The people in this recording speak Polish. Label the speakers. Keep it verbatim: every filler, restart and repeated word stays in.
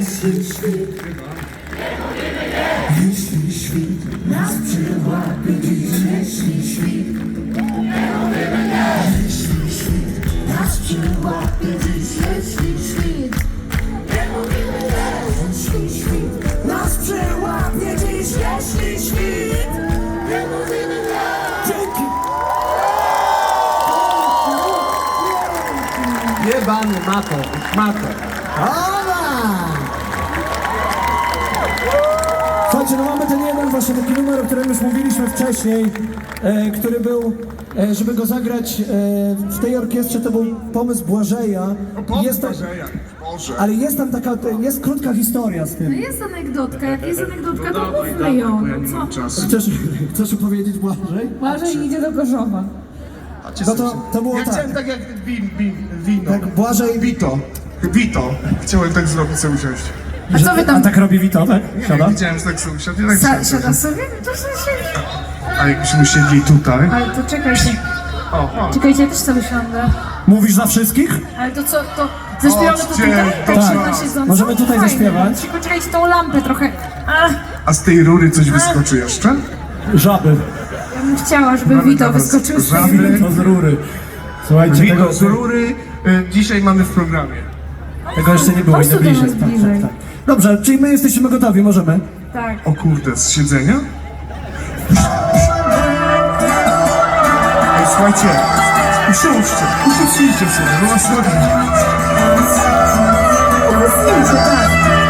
Speaker 1: jeśli świt, jeśli świt nas przyłapie dziś, jeśli świt, jeśli świt nas przyłapie dziś, jeśli świt, jeśli świt nas przyłapie dziś, jeśli świt. Dzięki!
Speaker 2: Jebany mato, mato.
Speaker 1: Słuchajcie, no mamy ten jeden właśnie taki numer, o którym już mówiliśmy wcześniej, e, który był, e, żeby go zagrać e, w tej orkiestrze, to był pomysł Błażeja.
Speaker 3: Pomysł
Speaker 1: Jest tam,
Speaker 3: Błażeja, Boże.
Speaker 1: ale jest tam taka, jest krótka historia z
Speaker 4: No
Speaker 1: tym.
Speaker 4: jest anegdotka, jak jest anegdotka, to mówmy ją.
Speaker 3: Bo ja nie
Speaker 4: No
Speaker 3: mam
Speaker 4: co?
Speaker 3: czasu.
Speaker 1: Chcesz, chcesz opowiedzieć Błażej?
Speaker 4: Błażej idzie do Gorzowa.
Speaker 1: No to, to było
Speaker 3: Ja
Speaker 1: tak.
Speaker 3: chciałem tak jak win, win, wino.
Speaker 1: Tak, Błażej...
Speaker 3: Vito. Vito. Chciałem tak zrobić, sobie usiąść.
Speaker 4: A co wy
Speaker 1: A
Speaker 4: tam?
Speaker 1: tak robi Vito, tak?
Speaker 3: Nie,
Speaker 1: Siada?
Speaker 3: widziałem, że tak sobie usiadł. Ja tak
Speaker 4: Sa-
Speaker 3: sobie
Speaker 4: siada
Speaker 3: usiadł.
Speaker 4: sobie? To sobie siedzi.
Speaker 3: A jakbyśmy usiedli tutaj.
Speaker 4: Ale to czekajcie.
Speaker 3: O, o.
Speaker 4: Czekajcie, ja też sobie siądę.
Speaker 1: Mówisz za wszystkich?
Speaker 4: Ale to co, to zaśpiewamy to
Speaker 3: Chodźcie,
Speaker 4: tutaj? Tak,
Speaker 3: tak.
Speaker 4: się na siedząco?
Speaker 1: Możemy tutaj
Speaker 4: Fajnie.
Speaker 1: zaśpiewać.
Speaker 4: Tylko czekajcie, tą lampę trochę. A,
Speaker 3: A z tej rury coś wyskoczy jeszcze?
Speaker 1: Żaby.
Speaker 4: ja bym chciała, żeby
Speaker 3: Mamy
Speaker 4: Vito
Speaker 3: teraz
Speaker 4: wyskoczył z
Speaker 3: żaby.
Speaker 4: tej...
Speaker 1: To z rury. Słuchajcie,
Speaker 3: Wino
Speaker 1: tego,
Speaker 3: z rury y, dzisiaj mamy w programie.
Speaker 1: tego jeszcze nie było,
Speaker 4: Chodź
Speaker 1: idę
Speaker 4: tu do
Speaker 1: bliżej.
Speaker 4: nas
Speaker 1: Tak,
Speaker 4: bliżej.
Speaker 1: tak, tak. Dobrze, czyli my jesteśmy gotowi, możemy?
Speaker 4: Tak.
Speaker 3: O kurde, z siedzenia? Ej, słuchajcie, usiądźcie, usiądźcie sobie, no was nogi.
Speaker 4: To zdjęcie, tak.